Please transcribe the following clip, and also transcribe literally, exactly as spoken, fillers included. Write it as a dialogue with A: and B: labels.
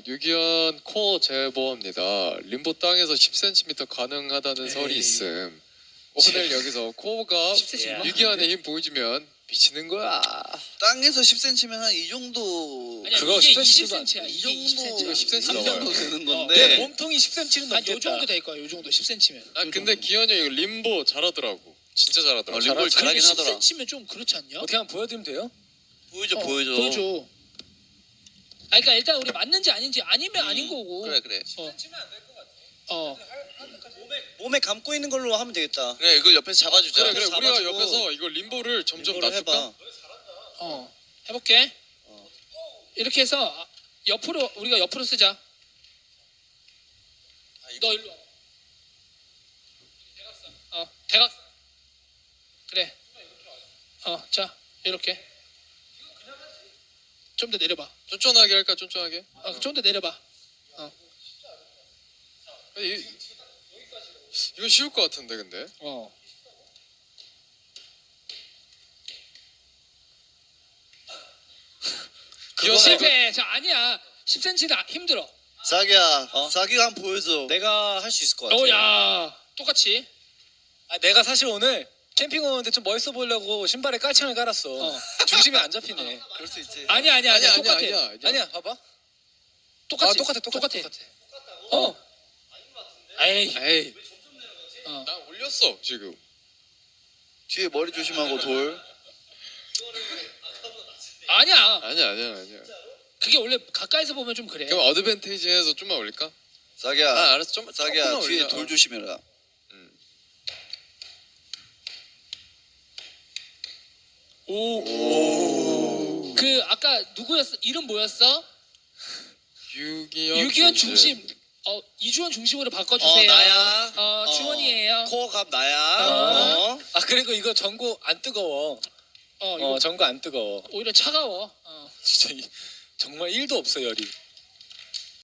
A: 유기현 코어 제보합니다. 림보 땅에서 십 센티미터 가능하다는
B: 에이.
A: 설이 있음. 오늘 여기서 코어가
B: 십 센티미터
A: 유기현의 힘 보여주면 미치는 거야.
C: 땅에서 십 센티미터면 한 이 정도.
B: 아니야,
A: 그거
B: 이게
A: 십
B: 이십
A: 센티미터가
B: 센티미터야.
C: 이
B: 이게
C: 정도
B: 이십 센티미터.
A: 이거 십 센티미터
C: 이
A: 넘어요.
C: 정도 되는
B: 내
C: 건데.
B: 네.
D: 몸통이 십 센티미터는
B: 한 요
D: 넘겠다.
B: 정도 될 거야. 요 정도 십 센티미터.
A: 아 근데 기현이 형 이거 림보 잘하더라고. 진짜 잘하더라고.
C: 어, 림보를
A: 잘하-
C: 잘하긴
B: 십
C: 하더라.
B: 센티미터면 좀 그렇지 않냐?
D: 어떻게 한번 보여드리면 돼요?
C: 보여줘
B: 어,
C: 보여줘.
B: 보여줘. 아 그러니까 일단 우리 맞는지 아닌지 아니면
C: 음,
B: 아닌 거고.
C: 그래 그래.
B: 어. 어.
D: 몸에 감고 있는 걸로 하면 되겠다.
C: 그래 이걸 옆에서 잡아주자.
A: 그래 그래 우리가
C: 잡아주고
A: 옆에서 이거 림보를 점점
C: 림보를
A: 낮출까?
C: 해봐.
B: 어. 해볼게.
C: 어.
B: 이렇게 해서 아, 옆으로 우리가 옆으로 쓰자.
C: 아,
B: 너 일로 와. 대각선. 어, 대각. 그래. 어, 자 이렇게. 좀 더 내려봐.
A: 쫀쫀하게 할까 쫀쫀하게?
B: 어, 좀 더 내려봐.
A: 이, 이거 쉬울 것 같은데 근데.
B: 어.
A: 기현아
B: 실패. 자 아니야. 십 센티미터는 힘들어.
C: 자기야,
D: 어?
C: 자기가 한번 보여줘.
D: 내가 할 수 있을 것 같아.
B: 어, 야. 똑같이.
D: 아, 내가 사실 오늘 캠핑 오는데 좀 멋있어 보이려고 신발에 깔창을 깔았어.
B: 어.
D: 중심이 안 잡히네.
C: 그럴 수 있지.
B: 아니야, 아니야, 아니야.
A: 아니야
B: 똑같아.
A: 아니야 아니야.
D: 아니야, 봐봐.
B: 똑같이.
D: 아, 똑같아, 똑같아, 똑같아.
B: 어. 에이.
A: 에이.
B: 어.
A: 나 올렸어 지금.
C: 뒤에 머리 조심하고 돌.
B: 아니야.
A: 아니야 아니야 아니야.
B: 그게 원래 가까이서 보면 좀 그래.
A: 그럼 어드밴테이지에서 좀만 올릴까?
C: 자기야,
A: 아 알았어 좀
C: 자기야
A: 조금만
C: 뒤에
A: 올려.
C: 돌
A: 어.
C: 조심해라.
B: 오. 그 아까 누구였어? 이름 뭐였어?
A: 유기현.
B: 유기현
A: 중심.
B: 중심. 어 이주원 중심으로 바꿔주세요.
C: 어, 나야.
B: 어, 주원이에요.
C: 코어 갑 나야.
B: 어.
C: 어.
D: 아, 그리고 이거 전구 안 뜨거워.
B: 어 이거
D: 어, 전구 안 뜨거워.
B: 오히려 차가워. 어.
D: 진짜 이, 정말 일도 없어, 열이.